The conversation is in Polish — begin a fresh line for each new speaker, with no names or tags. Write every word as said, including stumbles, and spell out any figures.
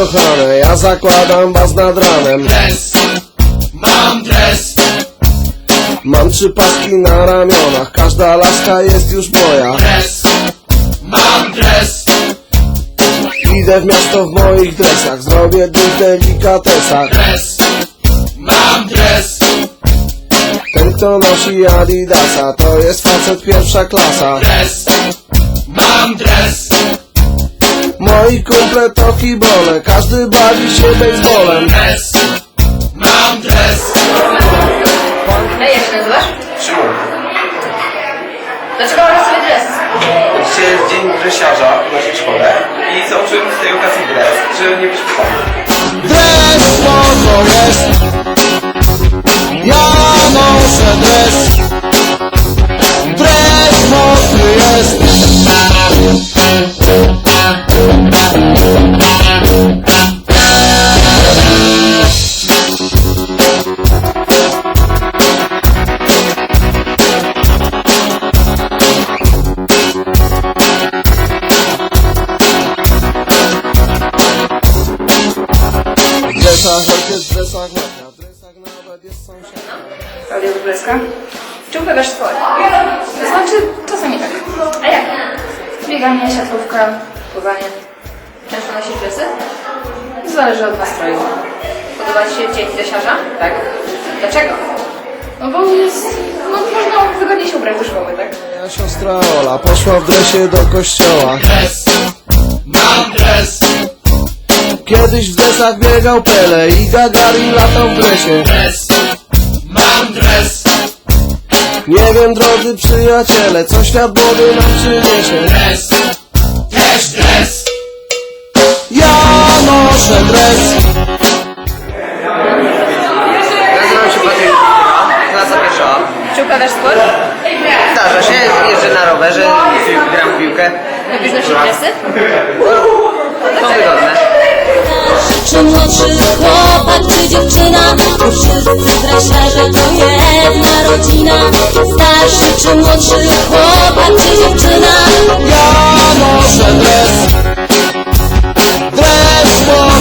kochane, ja zakładam was nad ranem.
Dres, mam dres.
Mam trzy paski na ramionach, każda laska jest już moja.
Dres, mam dres.
Idę w miasto w moich dresach, zrobię dym w delikatesach.
Dres, mam dres.
Ten kto nosi Adidasa, to jest facet pierwsza klasa.
Dres, mam dres.
Moi kumple to kibole, każdy bawi się baseballem.
Dres, mam dres.
A jak się nazywasz?
Szymon,
Dlaczego masz sobie dres?
dzisiaj jest dzień dresiarza w naszej szkole i założyłem z tej okazji dres, żeby nie być pytany.
Dres spoko jest, ja noszę dres. Dres mokry jest. W dresach ojciec, w dresach matka, w dresach nawet jest sąsiadka.
Klaudia Wróblewska. Czy uprawiasz sport? To znaczy, czasami tak. A jak? Bieganie, siatkówka, pływanie. Często nosisz dresy? Zależy od nastroju. Podoba Ci się dzień dresiarza? Tak. Dlaczego? No bo jest... no można wygodnie się ubrać do szkoły, tak?
Moja siostra Ola poszła w dresie do kościoła.
Dres, mam dres.
Kiedyś w dresach biegał Pele i Gagarin latał w dresie.
Dres, mam dres.
Nie wiem, drodzy przyjaciele, co świat młody nam przyniesie.
Dres, też dres.
Ja noszę dres.
Nazywam się Patryk, klasa pierwsza.
Czy uprawiasz sport?
Zdarza się, jeżdżę na rowerze, gram w piłkę.
Lubisz nosić dresy?
To wygodne.
Czy młodszy chłopak, czy dziewczyna, bo wszyscy dresiarze to jedna rodzina. Starszy czy młodszy chłopak, czy dziewczyna,
Ja noszę dres. Dres